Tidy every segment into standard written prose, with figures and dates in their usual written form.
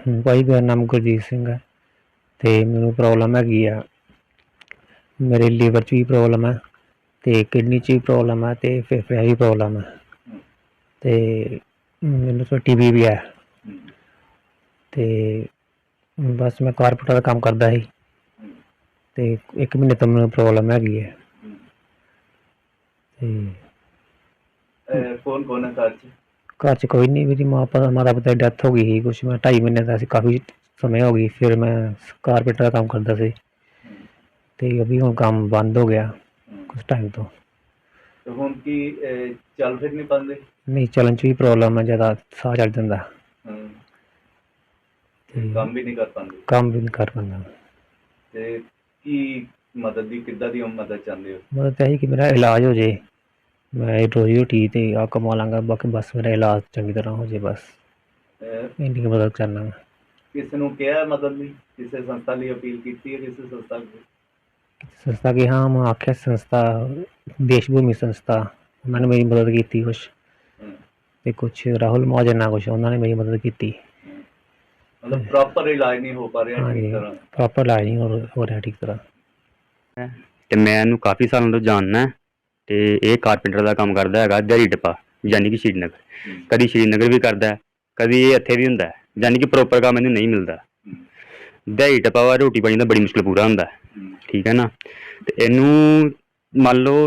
भाई मेरा नाम गुरजीत सिंह है ते मैनू प्रॉब्लम हैगी आ। मेरे लीवर च भी प्रॉब्लम है ते किडनी च भी प्रॉब्लम है ते फेफड़े भी प्रॉब्लम है ते मैनू तो टीबी भी है ते बस मैं कारपेंटर का काम करदा ही ते 1 महीने तो मैनू प्रॉब्लम हैगी है। कौन कौन है घर च कोई नहीं, मेरी माता पिता की डेथ हो गई थी कुछ मैं 2.5 महीने का काफ़ी समय हो गई। फिर मैं कारपेंटर का काम करता सी ते अभी हुण काम बंद हो गया कुछ टाइम तो। हुण की चल फिर नहीं पाते? नहीं, चलन च भी प्रॉब्लम है, ज़्यादा साह चढ़ जांदा। काम भी नहीं कर पाते? काम भी नहीं कर पांदा। ते की मदद दी किद्दां दी मदद चाहते हो? मदद यही कि मेरा इलाज हो जाए, मैं रोजी रोटी ते आ कमा लांगा, बाकी बस मेरा इलाज चंगी तरह हो जाए, बस इन्नी मदद करना मैं। किसी नूं कहा मदद दी? किसी संस्था लिए अपील की है? किसी संस्था की संस्था की हाँ मैं आख्या संस्था देशभूमि संस्था उन्होंने मेरी मदद की थी कुछ ते कुछ राहुल महाजन ना कुछ उन्होंने मेरी मदद की थी। मतलब प्रॉपर इलाज नहीं हो पा रहा हाँ ठीक जी, तरह? प्रॉपर इलाज नहीं हो रहा ठीक तरह। ਤੇ ਮੈਂ ਇਹਨੂੰ ਕਾਫੀ ਸਾਲਾਂ ਤੋਂ ਜਾਣਦਾ ਤੇ ਇਹ ਕਾਰਪੈਂਟਰ ਦਾ ਕੰਮ ਕਰਦਾ ਹੈਗਾ ਦਿਹਾੜੀ ਟੱਪਾ, ਯਾਨੀ ਕਿ ਸ਼੍ਰੀਨਗਰ। ਕਦੀ ਸ਼੍ਰੀਨਗਰ ਵੀ ਕਰਦਾ, ਕਦੀ ਇਹ ਇੱਥੇ ਵੀ ਹੁੰਦਾ, ਯਾਨੀ ਕਿ ਪ੍ਰੋਪਰ ਕੰਮ ਇਹਨੂੰ ਨਹੀਂ ਮਿਲਦਾ। ਦਿਹਾੜੀ ਟੱਪਾ ਵਾ, ਰੋਟੀ ਪਾਣੀ ਦਾ ਬੜੀ ਮੁਸ਼ਕਿਲ ਪੂਰਾ ਹੁੰਦਾ, ਠੀਕ ਹੈ ਨਾ। ਤੇ ਇਹਨੂੰ ਮੰਨ ਲਓ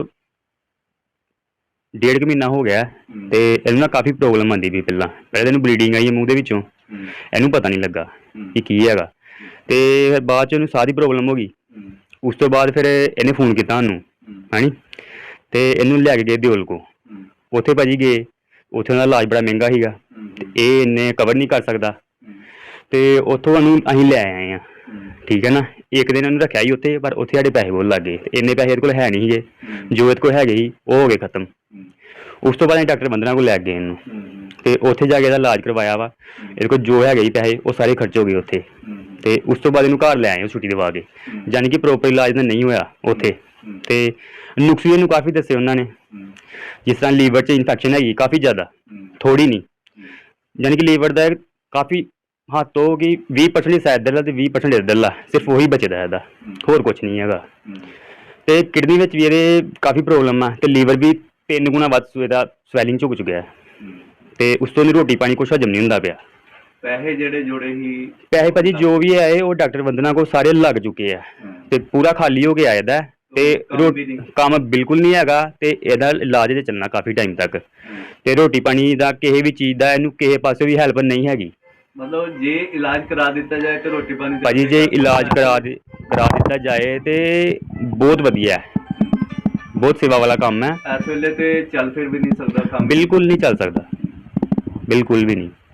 1.5 ਮਹੀਨਾ ਹੋ ਗਿਆ ਤੇ ਇਹਨੂੰ ਨਾ ਕਾਫੀ ਪ੍ਰੋਬਲਮ ਆਉਂਦੀ ਪਈ। ਪਹਿਲਾਂ ਇਹਨੂੰ ਬਲੀਡਿੰਗ ਆਈ ਹੈ ਮੂੰਹ ਦੇ ਵਿੱਚੋਂ, ਇਹਨੂੰ ਪਤਾ ਨਹੀਂ ਲੱਗਾ ਕਿ ਕੀ ਹੈਗਾ। ਤੇ ਫਿਰ ਬਾਅਦ 'ਚ ਇਹਨੂੰ ਸਾਹ ਦੀ ਪ੍ਰੋਬਲਮ ਹੋ ਗਈ। ਉਸ ਤੋਂ ਬਾਅਦ ਫਿਰ ਇਹਨੇ ਫੋਨ ਕੀਤਾ ਸਾਨੂੰ, ਹਾਂਜੀ, ਤੇ ਇਹਨੂੰ ਲੈ ਕੇ ਗਏ ਦਿਓਲ ਕੋ। ਉੱਥੇ ਭਾਜੀ ਗਏ, ਉੱਥੇ ਉਹਦਾ ਇਲਾਜ ਬੜਾ ਮਹਿੰਗਾ ਸੀਗਾ ਤੇ ਇਹ ਇੰਨੇ ਕਵਰ ਨਹੀਂ ਕਰ ਸਕਦਾ ਤੇ ਉੱਥੋਂ ਉਹਨੂੰ ਅਸੀਂ ਲੈ ਆਏ ਹਾਂ, ਠੀਕ ਹੈ ਨਾ। ਇੱਕ ਦਿਨ ਉਹਨੂੰ ਰੱਖਿਆ ਸੀ ਉੱਥੇ, ਪਰ ਉੱਥੇ ਸਾਡੇ ਪੈਸੇ ਬਹੁਤ ਲੱਗ ਗਏ। ਇੰਨੇ ਪੈਸੇ ਇਹਦੇ ਕੋਲ ਹੈ ਨਹੀਂ ਸੀਗੇ, ਜੋ ਇਹਦੇ ਕੋਲ ਹੈਗੇ ਸੀ ਉਹ ਹੋ ਗਏ ਖਤਮ। ਉਸ ਤੋਂ ਬਾਅਦ ਅਸੀਂ ਡਾਕਟਰ ਬੰਦਨਾ ਕੋਲ ਲੈ ਗਏ ਇਹਨੂੰ ਤੇ ਉੱਥੇ ਜਾ ਕੇ ਇਹਦਾ ਇਲਾਜ ਕਰਵਾਇਆ ਵਾ। ਇਹਦੇ ਕੋਲ ਜੋ ਹੈਗੇ ਸੀ ਪੈਸੇ ਉਹ ਸਾਰੇ ਖਰਚ ਹੋ ਗਏ ਉੱਥੇ। ਤੇ ਉਸ ਤੋਂ ਬਾਅਦ ਇਹਨੂੰ ਘਰ ਲੈ ਆਏ ਉਹ ਛੁੱਟੀ ਦਵਾ ਕੇ, ਯਾਨੀ ਕਿ ਪ੍ਰੋਪਰ ਇਲਾਜ ਤਾਂ ਨਹੀਂ ਹੋਇਆ ਉੱਥੇ। ਤੇ ਨੁਕਸ ਵੀ ਇਹਨੂੰ ਕਾਫੀ ਦੱਸੇ ਉਹਨਾਂ ਨੇ, ਜਿਸ ਤਰ੍ਹਾਂ ਲੀਵਰ 'ਚ ਇਨਫੈਕਸ਼ਨ ਹੈਗੀ ਕਾਫੀ ਜ਼ਿਆਦਾ, ਥੋੜ੍ਹੀ ਨਹੀਂ, ਯਾਨੀ ਕਿ ਲੀਵਰ ਦਾ ਕਾਫੀ ਹੱਦ ਤੋਂ ਕਿ 20% ਸਾਇਦ ਇੱਧਰਲਾ ਤੇ 20% ਇੱਧਰਲਾ, ਸਿਰਫ ਉਹੀ ਬਚਦਾ ਇਹਦਾ, ਹੋਰ ਕੁਛ ਨਹੀਂ ਹੈਗਾ। ਤੇ ਕਿਡਨੀ ਵਿੱਚ ਵੀ ਇਹਦੇ ਕਾਫੀ ਪ੍ਰੋਬਲਮ ਆ ਤੇ ਲੀਵਰ ਵੀ 3 ਗੁਣਾ ਵੱਧ ਇਹਦਾ ਸਵੈਲਿੰਗ 'ਚ ਹੋ ਚੁੱਕਿਆ ਤੇ ਉਸ ਤੋਂ ਦੀ ਰੋਟੀ ਪਾਣੀ ਕੁਛ ਹਜਮ ਨਹੀਂ ਹੁੰਦਾ ਪਿਆ। ਪੈਸੇ ਜਿਹੜੇ ਜੋੜੇ ਸੀ? ਪੈਸੇ ਭਾਜੀ ਜੋ ਵੀ ਆਏ ਉਹ ਡਾਕਟਰ ਬੰਦਨਾ ਕੋਲ ਸਾਰੇ ਲੱਗ ਚੁੱਕੇ ਆ ਤੇ ਪੂਰਾ ਖਾਲੀ ਹੋ ਕੇ ਆਇਆ ਇਹਦਾ ਤੇ ਕੰਮ ਬਿਲਕੁਲ ਨਹੀਂ ਹੈਗਾ ਤੇ ਇਹਦਾ ਇਲਾਜ ਤੇ ਚੱਲਣਾ ਕਾਫੀ ਟਾਈਮ ਤੱਕ। ਤੇ ਰੋਟੀ ਪਾਣੀ ਦਾ ਕਿਸੇ ਵੀ ਚੀਜ਼ ਦਾ ਇਹਨੂੰ ਕਿਸੇ ਪਾਸੇ ਵੀ ਹੈਲਪ ਨਹੀਂ ਹੈਗੀ। मतलब जे इलाज करा दिता जाए तो रोटी पानी भाजी जे इलाज करा दिता जाए तो बहुत वधिया है, बहुत सेवा वाला काम है। इस वेले ते चल फिर भी नहीं सकता काम? बिल्कुल नहीं चल सकता, बिल्कुल भी नहीं।